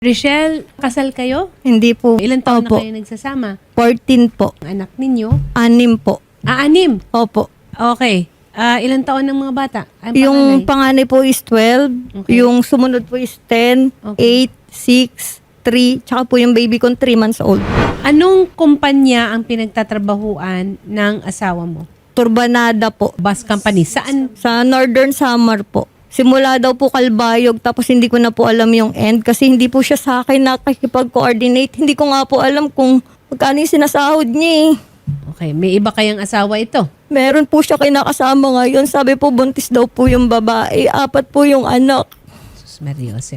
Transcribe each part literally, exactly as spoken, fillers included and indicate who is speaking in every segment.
Speaker 1: Richelle, kasal kayo?
Speaker 2: Hindi po.
Speaker 1: Ilan taon
Speaker 2: Opo.
Speaker 1: na kayo nagsasama?
Speaker 2: fourteen po.
Speaker 1: Ang anak ninyo?
Speaker 2: Anim po.
Speaker 1: Ah, anim.
Speaker 2: Opo.
Speaker 1: Okay. Ah, ilan taon ng mga bata? Ang
Speaker 2: Yung
Speaker 1: panganay?
Speaker 2: panganay po is twelve.
Speaker 1: Okay.
Speaker 2: Yung sumunod po is ten,
Speaker 1: Okay.
Speaker 2: eight, six, three. Tsaka po yung baby ko three months old.
Speaker 1: Anong kumpanya ang pinagtatrabahuan ng asawa mo?
Speaker 2: Turbanada po.
Speaker 1: Bus company. Saan?
Speaker 2: Sa Northern Samar po. Simula daw po Kalbayog, tapos hindi ko na po alam yung end kasi hindi po siya sa akin nakikipag-coordinate. Hindi ko nga po alam kung magkano yung sinasahod niya eh.
Speaker 1: Okay. May iba kayang asawa ito?
Speaker 2: Meron po siya kinakasama ngayon. Sabi po buntis daw po yung babae. Apat po yung anak.
Speaker 1: Sus Maria Joseph.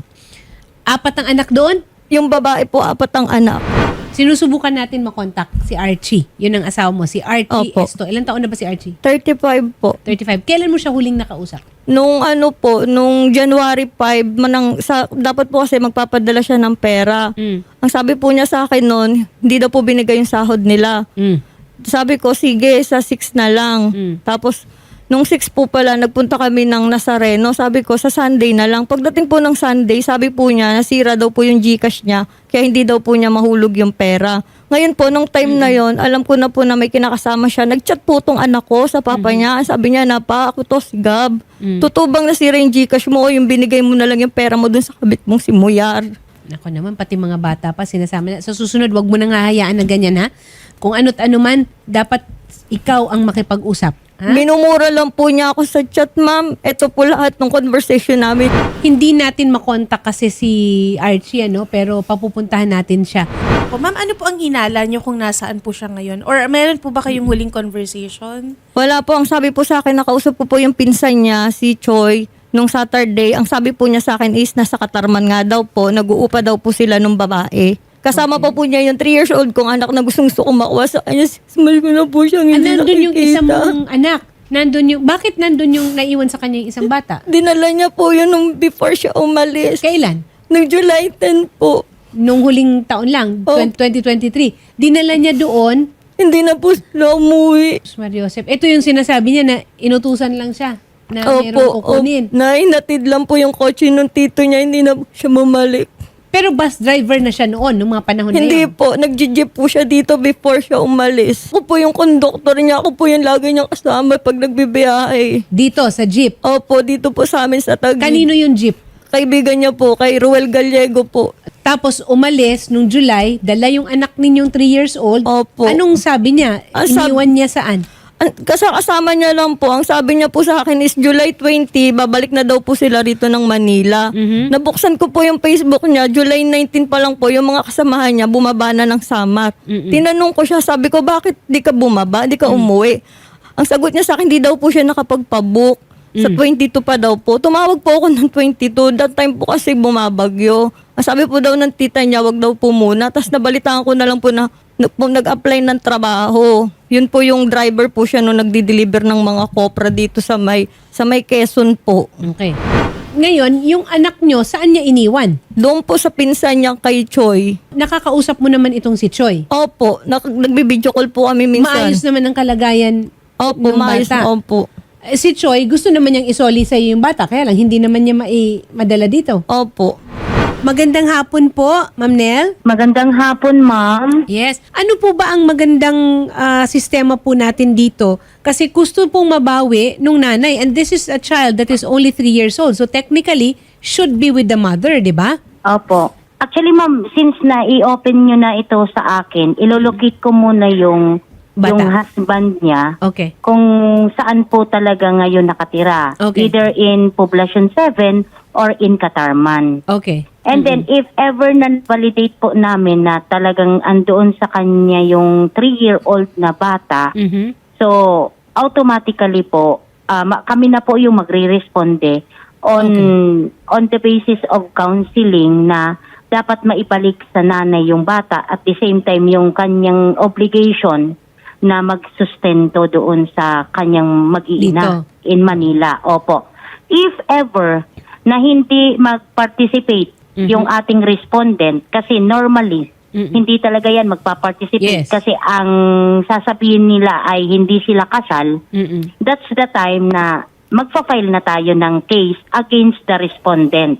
Speaker 1: Apat ang anak doon?
Speaker 2: Yung babae po, apat ang anak.
Speaker 1: Sinusubukan natin makontak si Archie. Yun ang asawa mo, si Archie
Speaker 2: Opo.
Speaker 1: Esto. Ilan taon na ba si Archie?
Speaker 2: thirty-five po.
Speaker 1: thirty-five. Kailan mo siya huling nakausap?
Speaker 2: Nung ano po, nung January five, manang, sa, dapat po kasi magpapadala siya ng pera.
Speaker 1: Mm.
Speaker 2: Ang sabi po niya sa akin noon, hindi daw po binigay yung sahod nila.
Speaker 1: Mm.
Speaker 2: Sabi ko, sige, sa six na lang.
Speaker 1: Mm.
Speaker 2: Tapos, nung six po pala, nagpunta kami ng Nazareno. Sabi ko, sa Sunday na lang. Pagdating po ng Sunday, sabi po niya, nasira daw po yung Gcash niya. Kaya hindi daw po niya mahulog yung pera. Ngayon po, nung time na yon, alam ko na po na may kinakasama siya. Nagchat po tong anak ko sa papa niya. Sabi niya na, pa, ako to si Gab.
Speaker 1: Mm.
Speaker 2: Tutubang nasira yung Gcash mo, yung binigay mo na lang yung pera mo dun sa kabit mong si Muyar.
Speaker 1: Ako naman, pati mga bata pa, sinasama na. Sa susunod, wag mo nang hahayaan na ganyan, ha? Kung ano't ano man, dapat ikaw ang makipag-usap. Ha?
Speaker 2: Minumura lang po niya ako sa chat, ma'am. Ito po lahat ng conversation namin.
Speaker 1: Hindi natin makontak kasi si Archie, ano? Pero papupuntahan natin siya.
Speaker 3: Po, ma'am, ano po ang hinala niyo kung nasaan po siya ngayon? Or meron po ba kayong huling conversation?
Speaker 2: Wala po. Ang sabi po sa akin, nakausap ko po yung pinsan niya, si Choi, nung Saturday. Ang sabi po niya sa akin is, nasa Katarman nga daw po. Nag-uupa daw po sila nung babae. Kasama pa po niya yung three years old kong anak na gustong gusto kong makuha sa kanya. Small ko na po siyang
Speaker 1: Ah,
Speaker 2: hindi
Speaker 1: nandun yung
Speaker 2: nakikita.
Speaker 1: isang mong anak. Nandun yung, bakit nandun yung naiwan sa kanya yung isang bata?
Speaker 2: Dinala niya po yun nung before siya umalis.
Speaker 1: Kailan?
Speaker 2: Nung July tenth po.
Speaker 1: Nung huling taon lang,
Speaker 2: Oh.
Speaker 1: twenty twenty-three. Dinala niya doon.
Speaker 2: Hindi na po sila umuwi.
Speaker 1: Sus Maria Joseph. Ito yung sinasabi niya na inutusan lang siya na meron
Speaker 2: Opo,
Speaker 1: kukunin.
Speaker 2: opo. Nay, natid lang po yung kotse nung tito niya. Hindi na po siya mamalik.
Speaker 1: Pero bus driver na siya noon, nung mga panahon na
Speaker 2: Hindi
Speaker 1: yun.
Speaker 2: po, nag-jeep po siya dito before siya umalis. Ako po yung conductor niya, ako po yung lagi niyang kasama pag nagbibiyahe.
Speaker 1: Dito, sa jeep.
Speaker 2: Opo, dito po sa amin sa Taguig.
Speaker 1: Kanino yung jeep?
Speaker 2: Kaibigan niya po, kay Ruel Gallego po.
Speaker 1: Tapos umalis nung July, dala yung anak ninyong three years old.
Speaker 2: Opo.
Speaker 1: Anong sabi niya?
Speaker 2: Ang sab-
Speaker 1: Iniwan niya saan?
Speaker 2: Ang- Kasama niya lang po, ang sabi niya po sa akin is July twenty, babalik na daw po sila rito ng Manila.
Speaker 1: Mhm.
Speaker 2: Nabuksan ko po yung Facebook niya, July nineteen pa lang po, yung mga kasamahan niya, bumaba na ng Samar.
Speaker 1: Mm-mm.
Speaker 2: Tinanong ko siya, sabi ko, bakit di ka bumaba, di ka umuwi? Ang sagot niya sa akin, di daw po siya nakapagpabook. Sa twenty-two pa daw po. Tumawag po ako ng twenty-two. That time po kasi bumabagyo. Ang sabi po daw ng tita niya, wag daw po muna. Tapos nabalitaan ko na lang po na nag- po nag-apply ng trabaho. Yun po yung driver po siya nung nagdi-deliver ng mga kopra dito sa may, sa may Quezon po.
Speaker 1: Okay. Ngayon, yung anak nyo, saan niya iniwan?
Speaker 2: Doon po sa pinsan niya kay Choi.
Speaker 1: Nakakausap mo naman itong si Choi.
Speaker 2: Opo, nak- nagbibideo call po kami minsan.
Speaker 1: Maayos naman ang kalagayan
Speaker 2: Opo,
Speaker 1: ng
Speaker 2: maayos.
Speaker 1: bata.
Speaker 2: Opo.
Speaker 1: Eh, si Choi, gusto naman niyang isoli sa iyo yung bata. Kaya lang, hindi naman niya mai- madala dito.
Speaker 2: Opo.
Speaker 1: Magandang hapon po, Ma'am Nel.
Speaker 4: Magandang hapon, ma'am.
Speaker 1: Yes. Ano po ba ang magandang ah, sistema po natin dito? Kasi gusto pong mabawi nung nanay. And this is a child that is only three years old. So technically, should be with the mother, di ba?
Speaker 4: Opo. Actually, ma'am, since na i-open nyo na ito sa akin, ilolocate ko muna yung,
Speaker 1: Bata.
Speaker 4: yung husband niya
Speaker 1: Okay.
Speaker 4: kung saan po talaga ngayon nakatira.
Speaker 1: Okay.
Speaker 4: Either in Poblacion seven or in Katarman.
Speaker 1: Okay.
Speaker 4: And then, if ever na-validate po namin na talagang andoon sa kanya yung three-year-old na bata,
Speaker 1: Mhm.
Speaker 4: so, automatically po, ah, ma- kami na po yung magre-responde on on the basis of counseling na dapat maibalik sa nanay yung bata at the same time yung kanyang obligation na magsustento doon sa kanyang mag-iina in Manila. Opo. If ever na hindi mag-participate
Speaker 1: Mhm.
Speaker 4: yung ating respondent, kasi normally
Speaker 1: Mm-mm.
Speaker 4: hindi talaga yan magpa-participate
Speaker 1: Yes.
Speaker 4: kasi ang sasabihin nila ay hindi sila kasal,
Speaker 1: Mm-mm.
Speaker 4: that's the time na magpa-file na tayo ng case against the respondent.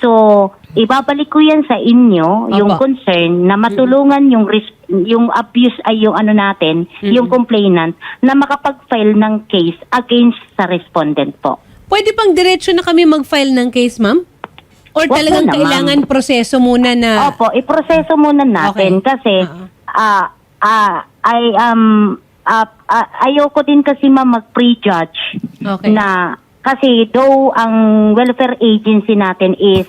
Speaker 4: So, ibabalik ko yan sa inyo, yung
Speaker 1: Opo.
Speaker 4: concern na matulungan yung ris- yung abuse ay yung ano natin, yung complainant na makapag-file ng case against sa respondent po.
Speaker 1: Pwede pang diretso na kami mag-file ng case, ma'am? Or
Speaker 4: Wag
Speaker 1: talagang
Speaker 4: na, ma'am.
Speaker 1: kailangan proseso muna na...
Speaker 4: Opo, iproseso muna natin
Speaker 1: Okay.
Speaker 4: kasi
Speaker 1: Oo.
Speaker 4: ah ah ay um ah, ah, ayoko din kasi ma'am mag-prejudge
Speaker 1: Okay.
Speaker 4: na kasi though ang welfare agency natin is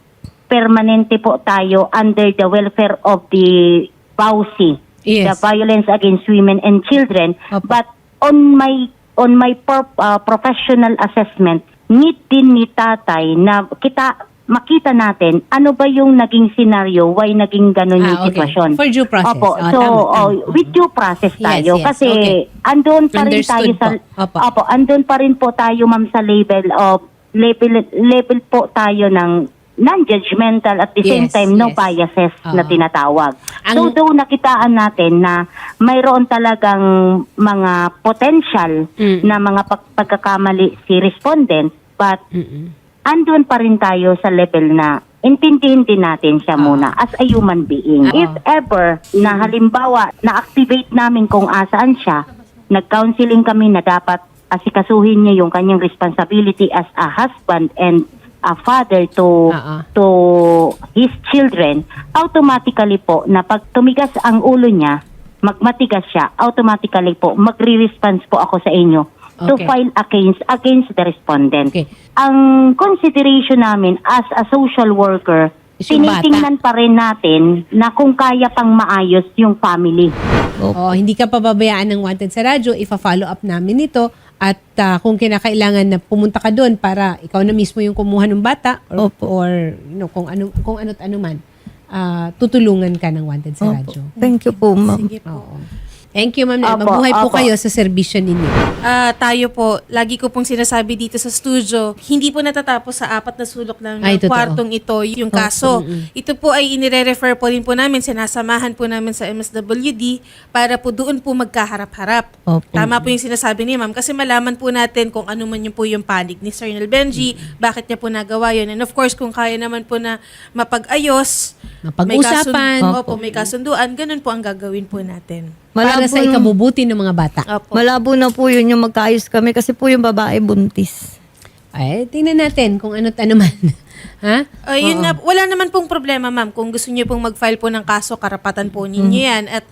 Speaker 4: permanente po tayo under the welfare of the B A U C,
Speaker 1: Yes.
Speaker 4: the Violence Against Women and Children,
Speaker 1: Opo.
Speaker 4: but on my on my per- ah, professional assessment, need din ni tatay na kita makita natin ano ba yung naging scenario, why naging ganun yung
Speaker 1: Ah, okay.
Speaker 4: sitwasyon.
Speaker 1: For due process.
Speaker 4: Opo,
Speaker 1: Ah,
Speaker 4: so
Speaker 1: tama, tama.
Speaker 4: oh, with due process
Speaker 1: Yes,
Speaker 4: tayo
Speaker 1: yes.
Speaker 4: kasi
Speaker 1: Okay.
Speaker 4: andun pa rin
Speaker 1: Understood
Speaker 4: tayo sa
Speaker 1: po. Opo.
Speaker 4: Opo, andun pa rin po tayo ma'am sa level of level level po tayo ng non-judgmental at the same
Speaker 1: Yes,
Speaker 4: time no
Speaker 1: yes.
Speaker 4: biases
Speaker 1: Ah.
Speaker 4: na tinatawag.
Speaker 1: Ang-
Speaker 4: So though nakitaan natin na mayroon talagang mga potential
Speaker 1: Mm.
Speaker 4: na mga pag- pagkakamali si respondent, but
Speaker 1: Mm-mm.
Speaker 4: andun pa rin tayo sa level na intindihin din natin siya muna as a human being.
Speaker 1: Ah.
Speaker 4: If ever na halimbawa na-activate namin kung asaan siya, nag-counseling kami na dapat asikasuhin niya yung kanyang responsibility as a husband and a father to
Speaker 1: Ah, ah.
Speaker 4: to his children, automatically po na pag tumigas ang ulo niya, magmatigas siya, automatically po magre-response po ako sa inyo to
Speaker 1: Okay.
Speaker 4: file against against the respondent.
Speaker 1: Okay.
Speaker 4: Ang consideration namin as a social worker,
Speaker 1: Is yung bata.
Speaker 4: tinitingnan pa rin natin na kung kaya pang maayos yung family.
Speaker 1: Oh, hindi ka pababayaan ng Wanted sa radyo, ifa-follow up namin ito at ah, kung kinakailangan na pumunta ka doon para ikaw na mismo yung kumuha ng bata or,
Speaker 2: Opo.
Speaker 1: or you know, kung ano kung ano't ano man, ah, tutulungan ka ng Wanted sa
Speaker 2: Opo.
Speaker 1: radyo.
Speaker 2: Thank you po, ma'am.
Speaker 3: Sige po.
Speaker 1: Oo. Thank you, ma'am. Nel.
Speaker 4: Opo,
Speaker 1: Mabuhay po
Speaker 4: opo.
Speaker 1: kayo sa serbisyo ninyo.
Speaker 3: Ah, tayo po, lagi ko pong sinasabi dito sa studio, hindi po natatapos sa apat na sulok ng
Speaker 1: Ay, totoo.
Speaker 3: kwartong ito yung kaso. Ito po ay inire-refer po din po namin, sinasamahan po namin sa M S W D para po doon po magkaharap-harap.
Speaker 2: Opo.
Speaker 3: Tama po yung sinasabi ni ma'am kasi malaman po natin kung ano man yung po yung panig ni Sir Nel Benji, bakit niya po nagawa yun. And of course, kung kaya naman po na mapag-ayos, may
Speaker 1: Mapag-usapan.
Speaker 3: kasun- Opo, may kasunduan, ganun po ang gagawin po natin.
Speaker 1: Para sa
Speaker 2: Malabo-
Speaker 1: ikabubuti ng mga bata.
Speaker 3: Opo.
Speaker 2: Malabo na po yun yung magkaayos kami kasi po yung babae buntis.
Speaker 1: Ay, tingnan natin kung ano't ano man. ha?
Speaker 3: Ay, yun na, wala naman pong problema, ma'am. Kung gusto niyo pong mag-file po ng kaso, karapatan po ninyo yan. At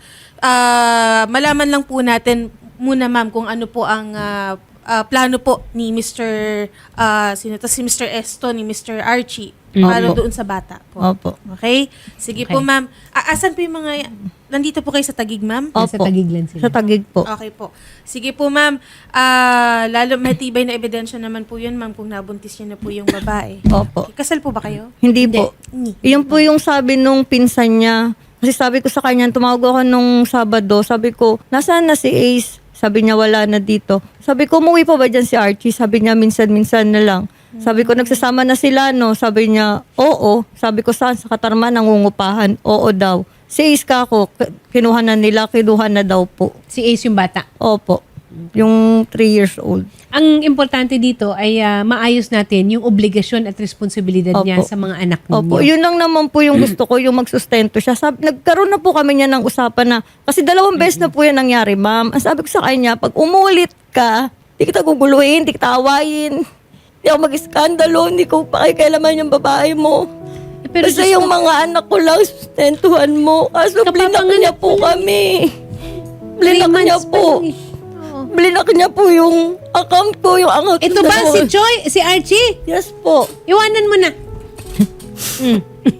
Speaker 3: ah, malaman lang po natin muna, ma'am, kung ano po ang ah, ah, plano po ni Mister ah, sino to? Si Mister Esto, ni Mister Archie, para
Speaker 2: Opo.
Speaker 3: doon sa bata po.
Speaker 2: Opo.
Speaker 3: Okay? Sige
Speaker 1: Okay.
Speaker 3: po, ma'am. Ah, asan po yung mga... Nandito po kayo sa Taguig, ma'am?
Speaker 1: Nasa
Speaker 2: Opo.
Speaker 1: Taguig lang sila.
Speaker 2: Sa Taguig po.
Speaker 3: Okay po. Sige po, ma'am. Ah, lalo matibay na ebidensya naman po yun, ma'am, kung nabuntis niyo na po yung babae.
Speaker 2: Opo.
Speaker 3: Okay. Kasal po ba kayo?
Speaker 2: Hindi po.
Speaker 3: Ni.
Speaker 2: Yun po yung sabi nung pinsan niya. Kasi sabi ko sa kanya, tumawag ako nung Sabado. Sabi ko, nasaan na si Ace? Sabi niya, wala na dito. Sabi ko, umuwi pa ba dyan si Archie? Sabi niya, minsan-minsan na lang. Sabi ko, nagsasama na sila, no? Sabi niya, oo. Sabi ko, saan? Sa Katarman, nangungupahan. Oo daw. Si Ace ka ako, k- kinuha na nila, kinuha na daw po.
Speaker 1: Si Ace yung bata.
Speaker 2: Opo. Yung three years old.
Speaker 1: Ang importante dito ay ah, maayos natin yung obligasyon at responsibilidad niya
Speaker 2: Opo.
Speaker 1: sa mga anak ninyo.
Speaker 2: Opo, yun lang naman po yung gusto ko, yung magsustento siya. Sab- nagkaroon na po kami niya ng usapan na, kasi dalawang beses na po yan nangyari, ma'am. Ang sabi ko sa kanya, pag umulit ka, di kita guguluhin, di kita awayin. Di ako mag-iskandalo, hindi ko pakikialaman yung babae mo.
Speaker 1: Eh, pero
Speaker 2: Kasi
Speaker 1: Diyos
Speaker 2: yung
Speaker 1: ko,
Speaker 2: mga anak ko lang, sustentuhan mo. Kaso blinak
Speaker 1: Kapapanganak
Speaker 2: niya po kami. Blinak
Speaker 1: three
Speaker 2: niya
Speaker 1: months pa
Speaker 2: po.
Speaker 1: lang eh. Oo.
Speaker 2: Blinak niya po yung account ko, yung account
Speaker 1: Ito
Speaker 2: ko
Speaker 1: ba
Speaker 2: na-
Speaker 1: si Joy, si Archie?
Speaker 2: Yes po.
Speaker 1: Iwanan mo na. mm.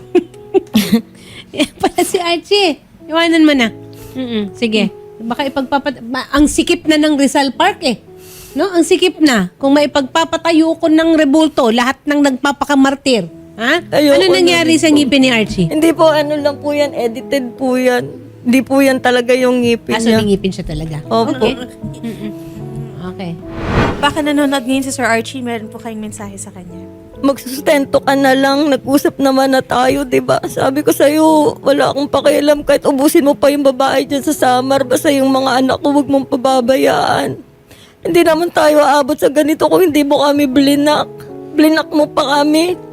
Speaker 1: Yan pala si Archie. Iwanan mo na. Mm-mm. Sige. Baka ipagpapat... ma- Ang sikip na ng Rizal Park eh. No? Ang sikip na. Kung maipagpapatayo ko ng rebulto, lahat ng nagpapakamartir. Ha?
Speaker 2: Ayoko
Speaker 1: ano nangyari
Speaker 2: na
Speaker 1: sa ngipin ni Archie?
Speaker 2: Hindi po, ano lang po yan, edited po yan. Hindi po yan talaga yung ngipin
Speaker 1: Ah, so
Speaker 2: niya.
Speaker 1: may ngipin siya talaga.
Speaker 2: Opo.
Speaker 1: Okay. Mm-mm. Okay.
Speaker 3: Baka nanonood ngayon si Sir Archie, meron po kayong mensahe sa kanya.
Speaker 2: Magsustento ka na lang, nag-usap naman na tayo, di ba? Sabi ko sa'yo, wala akong pakialam kahit ubusin mo pa yung babae dyan sa Samar, basta yung mga anak ko, huwag mong pababayaan. Hindi naman tayo aabot sa ganito kung hindi mo kami blinak. Blinak mo pa kami.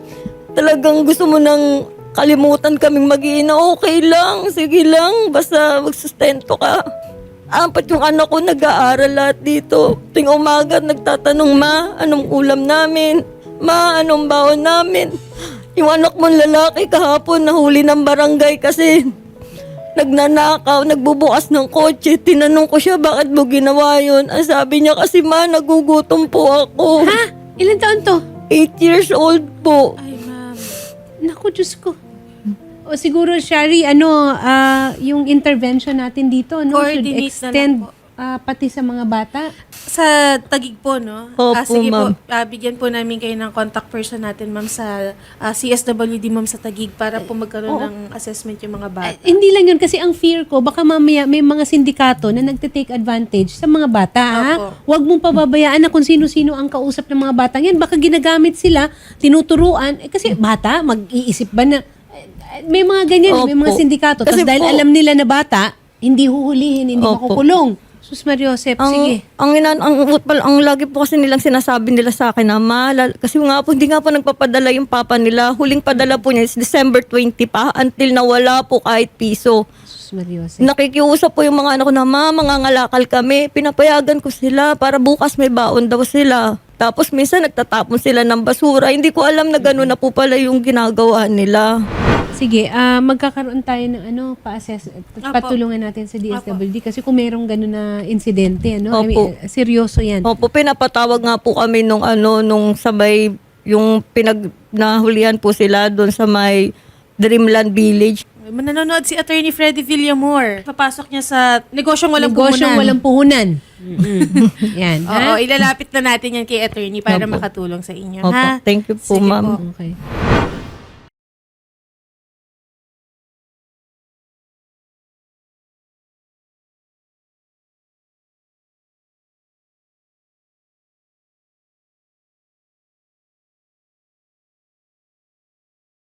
Speaker 2: talagang gusto mo nang kalimutan kaming mag-iina, okay lang, sige lang, basta magsustento ka. Apat yung anak ko nag-aaral lahat dito. Ting umaga nagtatanong, ma, anong ulam namin? Ma, anong baon namin? Yung anak mong lalaki kahapon nahuli ng barangay kasi nagnanakaw, nagbubukas ng kotse. Tinanong ko siya, bakit mo ginawa yun? Ang sabi niya, kasi ma, nagugutom po ako.
Speaker 1: Ha? Ilan taon to?
Speaker 2: Eight years old po.
Speaker 3: Ay, ma'am.
Speaker 1: Naku, Diyos ko. O siguro, Shari, ano, ah, yung intervention natin dito, no, should
Speaker 3: Coordinate na lang
Speaker 1: extend
Speaker 3: po.
Speaker 1: ah, pati sa mga bata.
Speaker 3: Sa Taguig po, no?
Speaker 2: Opo,
Speaker 3: Ah, sige
Speaker 2: ma'am.
Speaker 3: po, ah, bigyan po namin kayo ng contact person natin, ma'am, sa ah, C S W D, ma'am, sa Taguig para po magkaroon
Speaker 1: Oo.
Speaker 3: ng assessment yung mga bata.
Speaker 1: Eh, hindi lang yun, kasi ang fear ko, baka mamaya may mga sindikato na nagte-take advantage sa mga bata, ha?
Speaker 3: Opo.
Speaker 1: Huwag mong pababayaan na kung sino-sino ang kausap ng mga batang yan. Baka ginagamit sila, tinuturuan. Eh, kasi bata, mag-iisip ba na, eh, may mga ganyan, may mga
Speaker 2: Opo.
Speaker 1: sindikato. Tapos
Speaker 2: Kasi
Speaker 1: dahil
Speaker 2: po-
Speaker 1: alam nila na bata, hindi huhulihin, hindi
Speaker 2: Opo.
Speaker 1: makukulong. Sus Mariosep,
Speaker 2: Ang,
Speaker 1: sige.
Speaker 2: ang, inan, ang, ang, ang lagi po kasi nilang sinasabi nila sa akin na malal, kasi nga po, hindi nga po nagpapadala yung papa nila. Huling padala po niya is December twentieth pa, until nawala po kahit piso.
Speaker 1: Sus Mariosep.
Speaker 2: Nakikiusap po yung mga anak ko na, ma, mangangalakal kami. Pinapayagan ko sila para bukas may baon daw sila. Tapos minsan nagtatapon sila ng basura. Hindi ko alam na gano'n na po pala yung ginagawa nila.
Speaker 1: Sige, ah magkakaroon tayo ng ano, pa-assess, patulungan natin sa D S W D kasi kung merong gano'n na insidente, ano, I mean,
Speaker 2: Opo.
Speaker 1: seryoso yan.
Speaker 2: Opo, pinapatawag nga po kami nung ano, nung sabay, yung pinag nahulihan po sila doon sa may Dreamland Village.
Speaker 3: Mananonood si Attorney Freddy Villamor. Papasok niya sa negosyong walang
Speaker 1: Negosyong
Speaker 3: puhunan.
Speaker 1: walang puhunan. Yan,
Speaker 3: Oo,
Speaker 1: ha?
Speaker 3: ilalapit na natin yan kay Attorney para
Speaker 2: Opo.
Speaker 3: makatulong sa inyo,
Speaker 2: Opo,
Speaker 3: ha?
Speaker 2: thank you po,
Speaker 3: Sige
Speaker 2: ma'am.
Speaker 3: po.
Speaker 1: Okay.